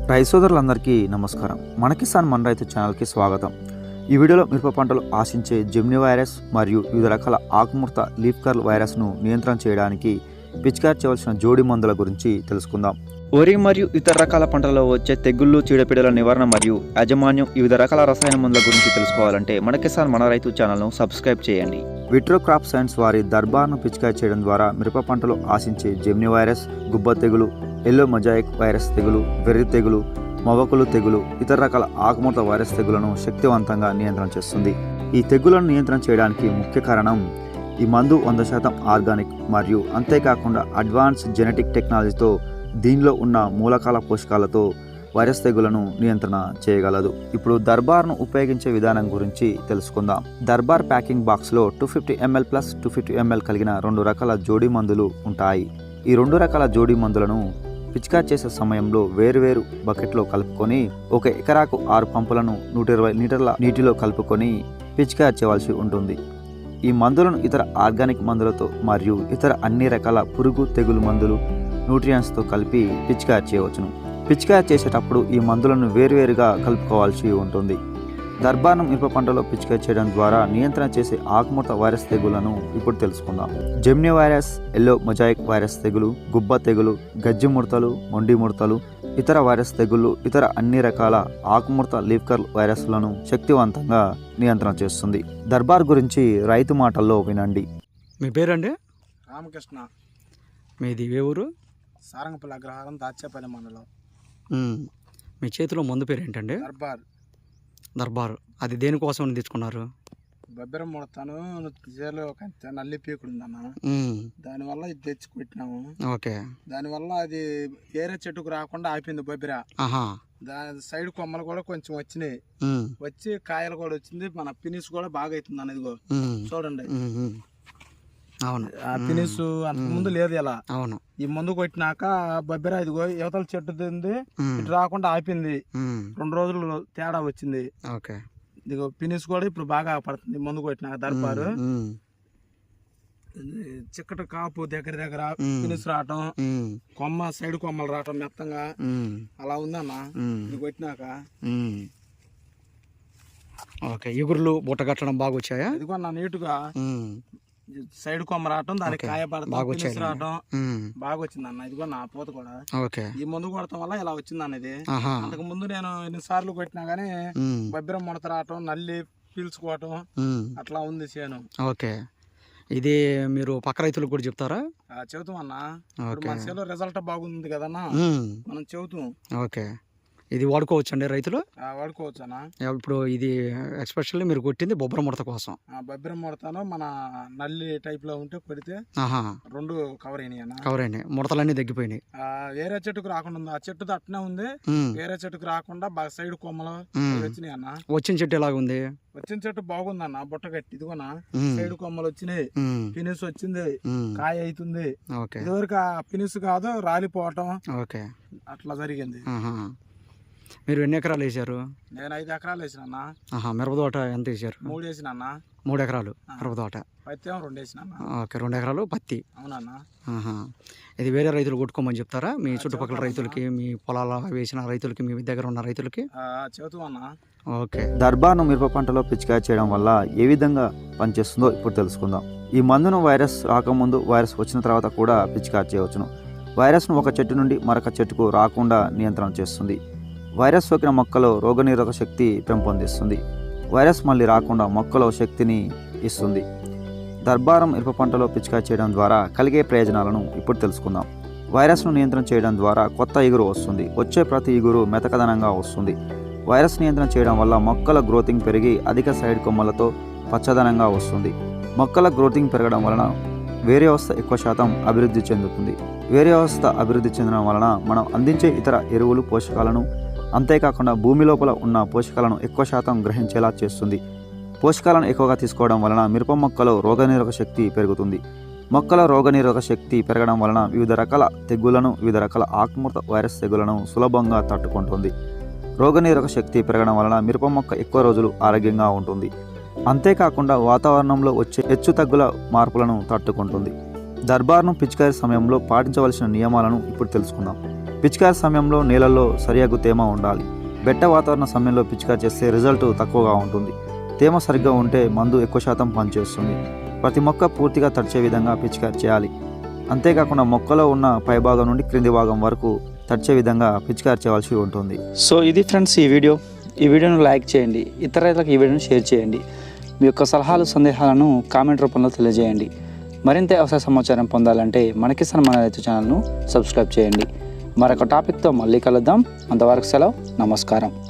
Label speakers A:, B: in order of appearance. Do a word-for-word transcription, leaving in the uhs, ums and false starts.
A: రైతు సోదరులందరికీ నమస్కారం. మన కిసాన్ మన రైతు ఛానల్కి స్వాగతం. ఈ వీడియోలో మిరప పంటలు ఆశించే జెమిని వైరస్ మరియు వివిధ రకాల ఆకుముడత లీఫ్ కర్ల్ వైరస్ను నియంత్రణ చేయడానికి పిచికారి చేయవలసిన జోడి మందుల గురించి తెలుసుకుందాం. వరి మరియు ఇతర రకాల పంటలలో వచ్చే తెగుళ్ళు, చీడపీడల నివారణ మరియు యాజమాన్యం వివిధ రకాల రసాయన మందుల గురించి తెలుసుకోవాలంటే మన కిసాన్ మన రైతు ఛానల్ను సబ్స్క్రైబ్ చేయండి. విట్రో క్రాప్ సైన్స్ వారి దర్బార్ను పిచికారి చేయడం ద్వారా మిరప పంటలు ఆశించే జెమిని వైరస్, గుబ్బ తెగులు, ఎల్లో మొజాయిక్ వైరస్ తెగులు, వెర్రి తెగులు, మవకులు తెగులు, ఇతర రకాల ఆకుముడత వైరస్ తెగులను శక్తివంతంగా నియంత్రణ చేస్తుంది. ఈ తెగులను నియంత్రణ చేయడానికి ముఖ్య కారణం ఈ మందు వంద శాతం ఆర్గానిక్ మరియు అంతేకాకుండా అడ్వాన్స్ జెనెటిక్ టెక్నాలజీతో దీనిలో ఉన్న మూలకాల పోషకాలతో వైరస్ తెగులను నియంత్రణ చేయగలదు. ఇప్పుడు దర్బార్ను ఉపయోగించే విధానం గురించి తెలుసుకుందాం. దర్బార్ ప్యాకింగ్ బాక్స్లో two fifty ML plus two fifty ML కలిగిన రెండు రకాల జోడీ మందులు ఉంటాయి. ఈ రెండు రకాల జోడీ మందులను పిచికారి చేసే సమయంలో వేరువేరు బకెట్లో కలుపుకొని ఒక ఎకరాకు ఆరు పంపులను నూట ఇరవై లీటర్ల నీటిలో కలుపుకొని పిచికారి చేయవలసి ఉంటుంది. ఈ మందులను ఇతర ఆర్గానిక్ మందులతో మరియు ఇతర అన్ని రకాల పురుగు తెగులు మందులు న్యూట్రియంట్స్తో కలిపి పిచికారి చేయవచ్చును. పిచికారి చేసేటప్పుడు ఈ మందులను వేరువేరుగా కలుపుకోవాల్సి ఉంటుంది. దర్బార్ను మిరప పంటలో పిచికారి చేయడం ద్వారా నియంత్రణ చేసే ఆకుముడత వైరస్ తెగులను ఇప్పుడు తెలుసుకుందాం. Gemini virus, yellow mosaic virus తెగులు, గుబ్బ తెగులు, గజ్జి ముడతలు, మొండి ముడతలు, ఇతర వైరస్ తెగుళ్ళు, ఇతర అన్ని రకాల ఆకుముడత లీఫ్ కర్ల్ వైరస్లను శక్తివంతంగా నియంత్రణ చేస్తుంది. దర్బార్ గురించి రైతు మాటల్లో వినండి.
B: మీ పేరండి?
C: రామకృష్ణ.
B: మీది ఏ ఊరు?
C: సారంగపల్లి అగ్రహారం, దాచేపల్లి మండలం.
B: మీ చేతిలో మందు పేరు ఏంటండి?
C: దర్బార్.
B: దర్బార్. అది దేనికోసం తెచ్చుకున్నారు?
C: బొబ్బెరం ముడతాను, చేలో నల్లి పీకుడు ఉందన్న, దానివల్ల ఇది తెచ్చి పెట్టినాము.
B: ఓకే.
C: దానివల్ల అది ఏరే చెట్టుకు రాకుండా ఆపింది బొబ్బెర. దాని సైడ్ కొమ్మలు కూడా కొంచెం వచ్చినాయి, వచ్చి కాయలు కూడా వచ్చింది. మన ఫినిష్ కూడా బాగా అవుతుంది అన్న. ఇదిగో చూడండి,
B: అవును.
C: ఆ ఫినిష్ అంతకు ముందు లేదు ఇలా.
B: అవును.
C: ఈ మందు కొట్టినాక బొబ్బెర ఇదిగో యువతల చెట్టు తింది, ఇటు రాకుండా ఆపింది. రెండు రోజులు తేడా వచ్చింది.
B: ఓకే.
C: ఇదిగో ఫినిష్ కూడా ఇప్పుడు బాగా పడుతుంది మందు కొట్టినాక. దర్బారు చిక్కటి కాపు దగ్గర దగ్గర ఫినిష్ రావటం, కొమ్మ సైడ్ కొమ్మలు రావటం మెత్తంగా అలా ఉందన్న ఇది కొట్టినాక.
B: ఓకే. ఎగురులు బుట్ట కట్టడం బాగా వచ్చాయా?
C: ఇదిగో నా నీటుగా సైడ్ కొమ్మ రావటం, దానికి కాయ పడటం, రావటం బాగా వచ్చింది అన్న. ఇదిగో నా పూత కూడా ఈ మందు కొడటం వల్ల ఇలా వచ్చింది అన్నది. అంతకు ముందు నేను ఎన్ని సార్లు కొట్టినా గానీ బొబ్బెరం ముడత రావటం, నల్లి పీల్చుకోవటం అట్లా ఉంది చేను.
B: ఓకే. ఇది మీరు పక్క రైతులకు కూడా చెప్తారా?
C: చెబుతాం అన్న. మన చేలో రిజల్ట్ బాగుంది కదన్నా, మనం చెబుతాం.
B: ఓకే. ఇది వాడుకోవచ్చు అండి రైతులు?
C: వాడుకోవచ్చు అన్న.
B: ఇప్పుడు ఇది ఎక్స్పెషల్లీ మీరు కొట్టింది బొబ్బర ముడత కోసం.
C: బొబ్బెరం ముడతాను మన నల్లి టైప్ లో ఉంటే కొడితే రెండు కవర్ అయినాయి అన్న.
B: కవర్ అయినాయి, ముడతలన్నీ తగ్గిపోయినాయి.
C: వేరే చెట్టుకు రాకుండా ఉంది, ఆ చెట్టు అట్నే ఉంది. వేరే చెట్టుకు రాకుండా బాగా సైడ్ కొమ్మలు వచ్చినాయి అన్న.
B: వచ్చిన చెట్టు ఎలాగ ఉంది?
C: వచ్చిన చెట్టు బాగుంది అన్న, బుట్ట కట్టి. ఇదిగోనా సైడ్ కొమ్మలు వచ్చినాయి, ఫినిష్ వచ్చింది, కాయ అవుతుంది. ఇదివరకు ఆ ఫినిష్ కాదు, రాలిపోవటం అట్లా జరిగింది.
B: మీరు ఎన్ని ఎకరాలు వేసారు?
C: నేను ఐదు ఎకరాలు వేసిన.
B: మిరప తోట ఎంత వేసారు?
C: మూడు వేసిన.
B: మూడు ఎకరాలు మిరప తోట.
C: పత్తి రెండు వేసిన.
B: ఓకే. రెండు ఎకరాలు పత్తి.
C: అవునన్నా.
B: ఇది వేరే రైతులు కొట్టుకోమని చెప్తారా? మీ చుట్టుపక్కల రైతులకి, మీ పొలాల వేసిన రైతులకి, మీ దగ్గర ఉన్న రైతులకి
C: చెబుతామన్నా.
B: ఓకే.
A: దర్బార్ను మిరప పంటలో పిచికారి చేయడం వల్ల ఏ విధంగా పనిచేస్తుందో ఇప్పుడు తెలుసుకుందాం. ఈ మందును వైరస్ రాకముందు, వైరస్ వచ్చిన తర్వాత కూడా పిచికారి చేయవచ్చును. వైరస్ను ఒక చెట్టు నుండి మరొక చెట్టుకు రాకుండా నియంత్రణ చేస్తుంది. వైరస్ సోకిన మొక్కలో రోగనిరోధక శక్తి పెంపొందిస్తుంది. వైరస్ మళ్ళీ రాకుండా మొక్కలో శక్తిని ఇస్తుంది. దర్బారం మిరప పంటలో పిచికారి చేయడం ద్వారా కలిగే ప్రయోజనాలను ఇప్పుడు తెలుసుకుందాం. వైరస్ను నియంత్రణ చేయడం ద్వారా కొత్త ఇగురు వస్తుంది. వచ్చే ప్రతి ఇగురు మెతకదనంగా వస్తుంది. వైరస్ నియంత్రణ చేయడం వల్ల మొక్కల గ్రోతింగ్ పెరిగి అధిక సైడ్ కొమ్మలతో పచ్చదనంగా వస్తుంది. మొక్కల గ్రోతింగ్ పెరగడం వలన వేరే వ్యవస్థ ఎక్కువ శాతం అభివృద్ధి చెందుతుంది. వేరే వ్యవస్థ అభివృద్ధి చెందడం వలన మనం అందించే ఇతర ఎరువులు, పోషకాలను, అంతేకాకుండా భూమి లోపల ఉన్న పోషకాలను ఎక్కువ శాతం గ్రహించేలా చేస్తుంది. పోషకాలను ఎక్కువగా తీసుకోవడం వలన మిరప మొక్కలో రోగనిరోధక శక్తి పెరుగుతుంది. మొక్కల రోగనిరోధక శక్తి పెరగడం వలన వివిధ రకాల తెగుళ్లను, వివిధ రకాల ఆకుముడత వైరస్ తెగుళ్లను సులభంగా తట్టుకుంటుంది. రోగనిరోధక శక్తి పెరగడం వలన మిరప మొక్క ఎక్కువ రోజులు ఆరోగ్యంగా ఉంటుంది. అంతేకాకుండా వాతావరణంలో వచ్చే హెచ్చు తగ్గుల మార్పులను తట్టుకుంటుంది. దర్బార్ను పిచికారీ సమయంలో పాటించవలసిన నియమాలను ఇప్పుడు తెలుసుకుందాం. పిచికారి సమయంలో నీళ్ళల్లో సరియగు తేమ ఉండాలి. బెట్ట వాతావరణ సమయంలో పిచికారి చేస్తే రిజల్ట్ తక్కువగా ఉంటుంది. తేమ సరిగ్గా ఉంటే మందు ఎక్కువ శాతం పనిచేస్తుంది. ప్రతి మొక్క పూర్తిగా తడిచే విధంగా పిచికారి చేయాలి. అంతేకాకుండా మొక్కలో ఉన్న పైభాగం నుండి క్రింది భాగం వరకు తడిచే విధంగా పిచికారి చేయవలసి ఉంటుంది.
D: సో ఇది ఫ్రెండ్స్ ఈ వీడియో. ఈ వీడియోను లైక్ చేయండి, ఇతర రైతులకు ఈ వీడియోను షేర్ చేయండి. మీ యొక్క సలహాలు సందేహాలను కామెంట్ రూపంలో తెలియజేయండి. మరింత వ్యవసాయ సమాచారం పొందాలంటే మన కిసాన్ మన రైతు ఛానల్ను సబ్స్క్రైబ్ చేయండి. మరొక టాపిక్తో మళ్ళీ కలుద్దాం. అంతవరకు సెలవు, నమస్కారం.